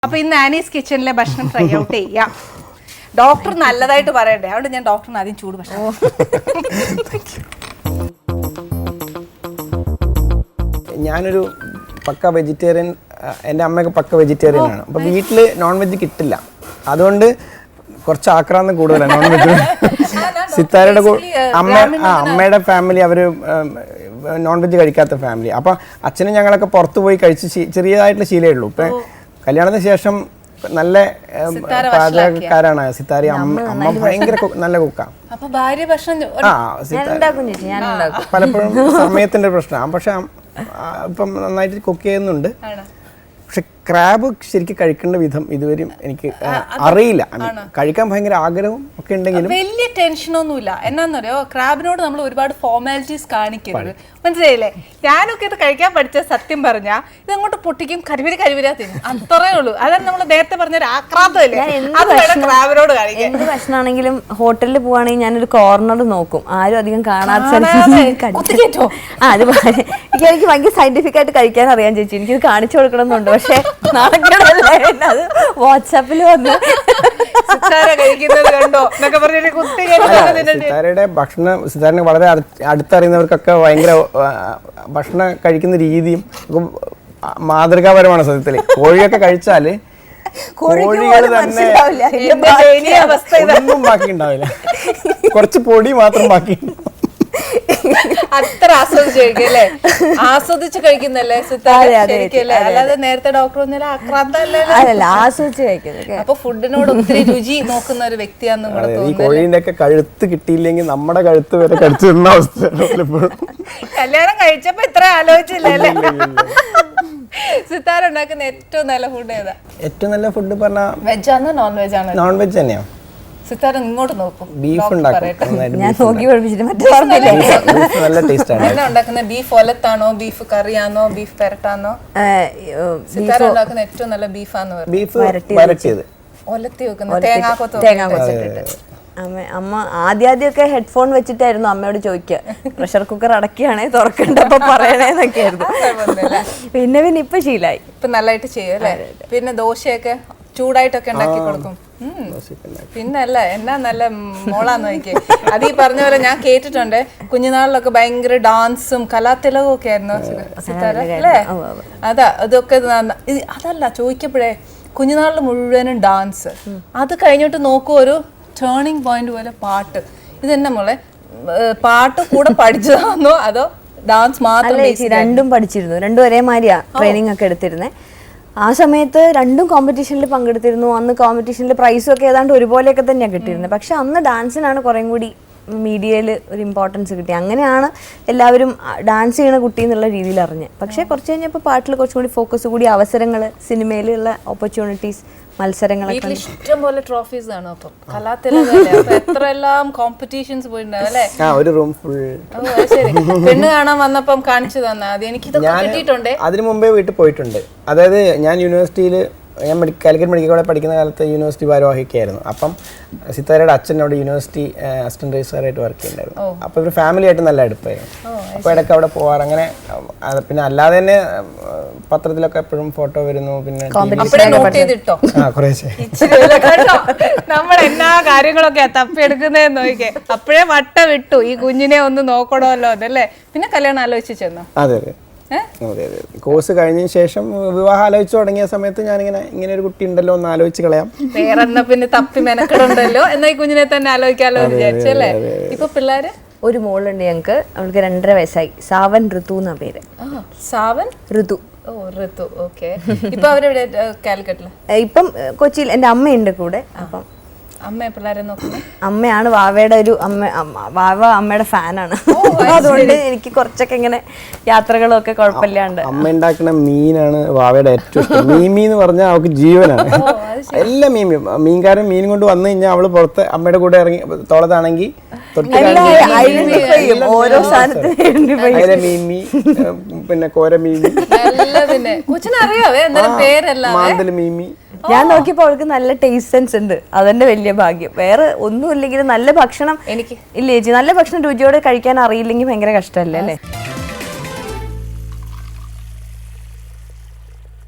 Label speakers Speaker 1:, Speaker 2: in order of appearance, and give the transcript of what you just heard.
Speaker 1: അപ്പൊ ഇന്ന് ആനീസ് കിച്ചണിലെ ഭക്ഷണം ട്രൈ ഔട്ട് ചെയ്യാം. ഡോക്ടർ നല്ലതായിട്ട് പറയണ്ടേ, അതുകൊണ്ട് ഞാൻ ഡോക്ടറിന് ആദ്യം ചൂട് ഭക്ഷണം.
Speaker 2: ഞാനൊരു പക്ക വെജിറ്റേറിയൻ, എൻ്റെ അമ്മയൊക്കെ പക്ക വെജിറ്റേറിയൻ ആണ്. അപ്പോൾ വീട്ടിൽ നോൺ വെജ് കിട്ടില്ല, അതുകൊണ്ട് കുറച്ച് ആക്രാന്തം കൂടുതലാണ് നോൺ വെജ്. സിത്താരയുടെ അമ്മയുടെ ഫാമിലി അവർ നോൺ വെജ് കഴിക്കാത്ത ഫാമിലി. അപ്പം അച്ഛനും ഞങ്ങളൊക്കെ പുറത്ത് പോയി കഴിച്ച് ചെറിയതായിട്ടുള്ള ശീലമേ ഉള്ളൂ. ഇപ്പം കല്യാണത്തിന് ശേഷം നല്ല പാചകക്കാരാണ് സിത്താര. അമ്മ ഭയങ്കര നല്ല കുക്കാണ്. പലപ്പോഴും സമയത്തിന്റെ പ്രശ്നമാണ്, പക്ഷെ ഇപ്പം നന്നായിട്ട് കുക്ക് ചെയ്യുന്നുണ്ട്. പക്ഷെ ക്രാബ് ശരിക്കും കഴിക്കേണ്ട വിധം ഇതുവരെയും എനിക്ക് അറിയില്ല. കഴിക്കാൻ ഭയങ്കര ആഗ്രഹവും ഒക്കെ ഉണ്ടെങ്കിലും
Speaker 1: വലിയ ടെൻഷനൊന്നുമില്ല. എന്നാന്നറിയോ, ക്രാബിനോട് നമ്മൾ ഒരുപാട് ഫോർമാലിറ്റീസ് കാണിക്കരുത്, മനസ്സിലായില്ലേ? ഞാനൊക്കെ ഇത് കഴിക്കാൻ പഠിച്ച സത്യം പറഞ്ഞാ ഇതങ്ങോട്ട് പൊട്ടിക്കും, കരിവരാ തിന്നും, അത്രേ ഉള്ളൂ. അതാണ് നമ്മൾ നേരത്തെ പറഞ്ഞ ആക്രാന്തമില്ലേ, ക്രാബിനോട് കാണിക്കാൻ.
Speaker 3: എന്ത് ഭക്ഷണമാണെങ്കിലും ഹോട്ടലിൽ പോവാണെങ്കിൽ ഞാനൊരു കോർണർ നോക്കും, ആരും അധികം കാണാത്ത. എനിക്ക് ഭയങ്കര സയന്റിഫിക് ആയിട്ട് കഴിക്കാൻ അറിയാൻ ചേച്ചി, എനിക്കിത് കാണിച്ചു കൊടുക്കണമെന്നുണ്ട്. പക്ഷെ അത് വാട്സാപ്പിൽ വന്ന്
Speaker 2: സിത്താരയുടെ ഭക്ഷണം, സിത്താരനെ വളരെ അടുത്തറിയുന്നവർക്കൊക്കെ ഭയങ്കര ഭക്ഷണം കഴിക്കുന്ന രീതിയും മാതൃകാപരമാണ് സത്യത്തില്. കോഴിയൊക്കെ കഴിച്ചാല് കോഴികൾ തന്നെ ഒന്നും ബാക്കി ഉണ്ടാവില്ല, കുറച്ച് പൊടി മാത്രം ബാക്കി.
Speaker 1: അത്ര ആസ്വദിച്ച് കഴിക്കും അല്ലേ, ആസ്വദിച്ച് കഴിക്കുന്നല്ലേ സിത്താരല്ലേ? അല്ലാതെ നേരത്തെ ഡോക്ടർ ഒന്നും ആക്രാന്തല്ല,
Speaker 3: ആസ്വദിച്ച് കഴിക്കുന്നത്.
Speaker 1: അപ്പൊ ഫുഡിനോട് ഒത്തിരി രുചി നോക്കുന്ന ഒരു വ്യക്തിയാന്ന്.
Speaker 2: ഈ കോഴീന്റെ ഒക്കെ കഴുത്ത് കിട്ടിയില്ലെങ്കിൽ നമ്മുടെ കഴുത്ത് വരെ കടിച്ചു തരുന്ന അവസ്ഥ.
Speaker 1: കല്യാണം കഴിച്ചപ്പോ ഇത്ര ആലോചിച്ചില്ലല്ലേ? സിത്താര ഉണ്ടാക്കുന്ന ഏറ്റവും നല്ല ഫുഡ് ഏതാ?
Speaker 2: ഏറ്റവും നല്ല ഫുഡ് പറഞ്ഞാൽ
Speaker 1: വെജാണോ നോൺ വെജ് ആണോ?
Speaker 2: നോൺ വെജ് തന്നെയാണ്.
Speaker 1: സിത്താര ഇങ്ങോട്ട് നോക്കും.
Speaker 2: ബീഫ് ഉണ്ടാക്കും,
Speaker 3: ഞാൻ നോക്കി പഠിപ്പിച്ചിട്ട്
Speaker 2: നല്ല ടേസ്റ്റ് ആണ്.
Speaker 1: എന്നാ ഉണ്ടാക്കുന്നത്? ബീഫ് ഒലത്താണോ, ബീഫ് കറിയാണോ, ബീഫ് പെരട്ടാണോ? സിത്താര ഉണ്ടാക്കുന്ന ഏറ്റവും നല്ല ബീഫാന്ന് പറഞ്ഞു.
Speaker 2: ബീഫ് വരട്ടിയത്,
Speaker 1: ഒലത്തി വെക്കുന്നത് തേങ്ങാക്കൊത്തിട്ട്.
Speaker 3: അമ്മ ആദ്യമൊക്കെ ഹെഡ്ഫോൺ വെച്ചിട്ടായിരുന്നു അമ്മയോട് ചോദിക്കുക, പ്രഷർ കുക്കർ അടക്കിയാണേ തുറക്കണ്ടപ്പോ പറയണേന്നൊക്കെ ആയിരുന്നു. പിന്നെ ഇപ്പൊ ശീലായി,
Speaker 1: ഇപ്പൊ നല്ലതായിട്ട് ചെയ്യും അല്ലേ? പിന്നെ ദോശയൊക്കെ ചൂടായിട്ടൊക്കെ ഉണ്ടാക്കി കൊടുക്കും. പിന്നല്ല എന്നാ നല്ല മോളാന്ന് നോക്കിയേ. അത് ഈ പറഞ്ഞ പോലെ ഞാൻ കേട്ടിട്ടുണ്ട്, കുഞ്ഞുനാളിലൊക്കെ ഭയങ്കര ഡാൻസും കലാതിലകവും ഒക്കെ ആയിരുന്നു സിത്താര അല്ലേ? അതൊക്കെ അതല്ല ചോദിക്കപ്പോഴേ, കുഞ്ഞുനാളിൽ മുഴുവനും ഡാൻസ്, അത് കഴിഞ്ഞിട്ട് നോക്കൂ ഒരു ടേണിംഗ് പോയിന്റ് പോലെ പാട്ട്. ഇതെന്നെ മോളെ, പാട്ട് കൂടെ പഠിച്ചതാണോ അതോ ഡാൻസ് മാത്രം?
Speaker 3: രണ്ടും പഠിച്ചിരുന്നു, രണ്ടും ഒരേമാതിരിയാ ട്രെയിനിങ് ഒക്കെ എടുത്തിരുന്നത്. ആ സമയത്ത് രണ്ടും കോമ്പറ്റീഷനിൽ പങ്കെടുത്തിരുന്നു. അന്ന് കോമ്പറ്റീഷനിൽ പ്രൈസും ഒക്കെ ഏതാണ്ട് ഒരുപോലെയൊക്കെ തന്നെയാണ് കിട്ടിയിരുന്നത്. പക്ഷെ അന്ന് ഡാൻസിനാണ് കുറേം കൂടി മീഡിയയിൽ ഒരു ഇമ്പോർട്ടൻസ് കിട്ടി. അങ്ങനെയാണ് എല്ലാവരും ഡാൻസ് ചെയ്യണ കുട്ടി എന്നുള്ള രീതിയിൽ അറിഞ്ഞത്. പക്ഷേ കുറച്ച് കഴിഞ്ഞപ്പോൾ പാട്ടിൽ കുറച്ചും കൂടി ഫോക്കസ് കൂടി, അവസരങ്ങൾ, സിനിമയിലുള്ള ഓപ്പർച്യൂണിറ്റീസ്, മത്സരങ്ങളൊക്കെ.
Speaker 1: ഇഷ്ടം പോലെ ട്രോഫീസ് ആണ്. അപ്പം എത്രയെല്ലാം കോമ്പറ്റീഷൻസ് പോയിട്ടുണ്ടാവും അല്ലേ? ശരി, പെണ്ണ് കാണാൻ വന്നപ്പം കാണിച്ചു തന്നാ അത് എനിക്കിതൊക്കെ കിട്ടിയിട്ടുണ്ട്.
Speaker 2: അതിനു മുമ്പേ വീട്ടിൽ പോയിട്ടുണ്ട്. അതായത് ഞാൻ യൂണിവേഴ്സിറ്റിയിൽ, ഞാൻ കാലിക്കറ്റ് മെഡിക്കൽ കോളേജ് പഠിക്കുന്ന കാലത്ത് യൂണിവേഴ്സിറ്റി ഭാരവാഹിക്കായിരുന്നു. അപ്പം സിത്താരയുടെ അച്ഛനോട് യൂണിവേഴ്സിറ്റി അസിസ്റ്റന്റ് രജിസ്ട്രാറായിട്ട് വർക്ക് ചെയ്യുന്നുണ്ടായിരുന്നു. അപ്പോൾ ഇവർ ഫാമിലി ആയിട്ട് നല്ല അടുപ്പായിരുന്നു. അപ്പോൾ ഇടയ്ക്ക് അവിടെ പോവാറ്. അങ്ങനെ പിന്നെ അല്ലാതെ തന്നെ പത്രത്തിലൊക്കെ എപ്പോഴും ഫോട്ടോ വരുന്നു. പിന്നെ
Speaker 1: നമ്മൾ എന്നാ കാര്യങ്ങളൊക്കെ തപ്പിയെടുക്കുന്നതെന്ന് നോക്കിയേ, അപ്പോഴേ വട്ട വിട്ടു ഈ കുഞ്ഞിനെ ഒന്ന് നോക്കണമല്ലോ അതല്ലേ. പിന്നെ കല്യാണം ആലോചിച്ച് ചെന്നു.
Speaker 2: അതെ അതെ അതെ അതെ. കോഴ്സ് കഴിഞ്ഞതിന് ശേഷം വിവാഹം ആലോചിച്ചു തുടങ്ങിയ സമയത്ത് ഞാനിങ്ങനെ ഇങ്ങനെ ഒരു കുട്ടി ഉണ്ടല്ലോ ഒന്ന് ആലോചിച്ച് കളയാം,
Speaker 1: വേറെ എന്നാ പിന്നെ തപ്പി മെനക്കെടുണ്ടല്ലോ എന്നാ ഈ കുഞ്ഞിനെ തന്നെ ആലോചിക്കാലോ വിചാരിച്ചല്ലേ. ഇപ്പൊ പിള്ളേര്
Speaker 3: ഒരു മോളുണ്ട് ഞങ്ങക്ക്, അവൾക്ക് 2.5 വയസ്സായി. സാവൻ ഋതു എന്നാ പേര്.
Speaker 1: സാവൻ
Speaker 3: ഋതു.
Speaker 1: ഓ ഋതു, ഓക്കെ. ഇപ്പൊ അവരെവിടെ? കാലിക്കറ്റില്.
Speaker 3: ഇപ്പം കൊച്ചിയിൽ എൻ്റെ അമ്മയുണ്ട് കൂടെ. അപ്പം
Speaker 1: അമ്മ പിള്ളേരെ നോക്കുന്നത്?
Speaker 3: അമ്മയാണ് വാവയുടെ ഒരു വാവ അമ്മയുടെ ഫാനാണ്. അതുകൊണ്ട് എനിക്ക് കുറച്ചൊക്കെ ഇങ്ങനെ യാത്രകളൊക്കെ കുഴപ്പമില്ലാണ്ട്.
Speaker 2: അമ്മ ഉണ്ടാക്കുന്ന മീനാണ് വാവയുടെ ഏറ്റവും ഇഷ്ടം. മീമി എന്ന് പറഞ്ഞാൽ അവൾക്ക് ജീവനാണ്. എല്ലാ മീൻകാരൻ മീനും കൊണ്ട് വന്നു കഴിഞ്ഞാൽ അവള് പുറത്ത് അമ്മയുടെ കൂടെ ഇറങ്ങി തോളത്താണെങ്കിൽ
Speaker 3: ഓരോ സാധനത്തിന്
Speaker 2: മീമി, പിന്നെ കോര മീമി, മാന്തല് മീമി.
Speaker 3: ഞാൻ നോക്കിയപ്പോൾ അവൾക്ക് നല്ല ടേസ്റ്റ് സെൻസ് ഉണ്ട്, അതെന്റെ വലിയ ഭാഗ്യം. വേറെ ഒന്നും ഇല്ലെങ്കിലും നല്ല ഭക്ഷണം എനിക്ക് ഇല്ല ചേച്ചി, നല്ല ഭക്ഷണം രുചിയോടെ കഴിക്കാൻ അറിയില്ലെങ്കിൽ ഭയങ്കര കഷ്ടമല്ലേ അല്ലേ?